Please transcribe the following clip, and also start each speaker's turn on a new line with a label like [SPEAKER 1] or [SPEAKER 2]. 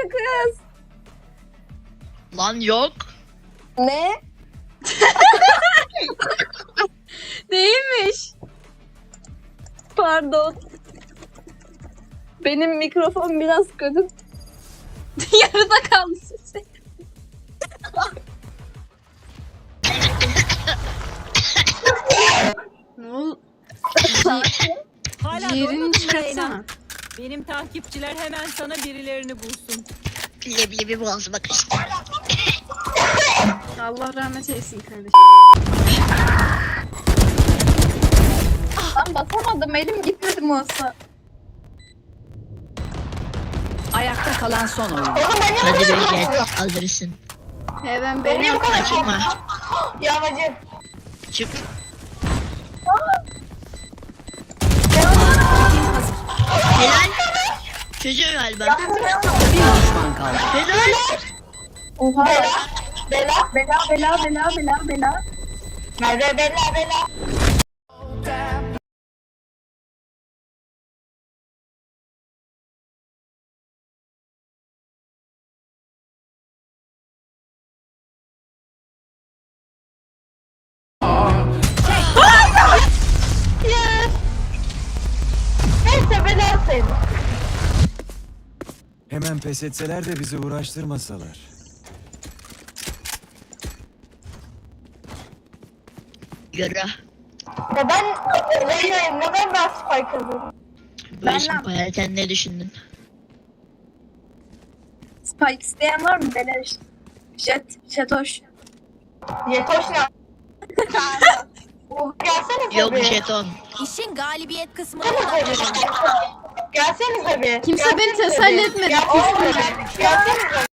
[SPEAKER 1] kız.
[SPEAKER 2] Lan yok.
[SPEAKER 1] Ne?
[SPEAKER 3] Değilmiş.
[SPEAKER 1] Pardon. Benim mikrofon biraz kötü.
[SPEAKER 3] Yarıda kaldı sesi. Ne oldu?
[SPEAKER 4] Hala
[SPEAKER 3] Ciğerini
[SPEAKER 4] doymadın mı
[SPEAKER 3] çıkartsana.
[SPEAKER 4] Reyna? Benim takipçiler hemen sana birilerini bulsun.
[SPEAKER 2] Leblebi boğazıma kaçtı.
[SPEAKER 3] Allah rahmet eylesin kardeşim.
[SPEAKER 1] Ben basamadım. Elim gitmedi masa.
[SPEAKER 5] Ayakta kalan son oyun.
[SPEAKER 2] Hadi be gel. Alırsın.
[SPEAKER 3] Hemen beni
[SPEAKER 2] Kaçırma.
[SPEAKER 1] Yağmacı.
[SPEAKER 2] Çık. Helal. Çözüyor galiba.
[SPEAKER 5] Bir düşman kaldı.
[SPEAKER 2] Helal.
[SPEAKER 1] Oha. Bela. Merve bela. Neyse bela sayın.
[SPEAKER 6] Hemen pes etseler de bizi uğraştırmasalar.
[SPEAKER 2] Yürü.
[SPEAKER 1] Ya ben Reyna'yım. Neden ben Spike alıyorum?
[SPEAKER 2] Böyle şimdi ne düşündün?
[SPEAKER 1] Spike isteyen var mı? Beleş. Jetoş. Jetoş ne? Gelsene
[SPEAKER 2] Yok jeton.
[SPEAKER 5] İşin galibiyet kısmı.
[SPEAKER 1] Gelsenize bir.
[SPEAKER 3] Kimse beni teselli etmedi.
[SPEAKER 1] Gelsenize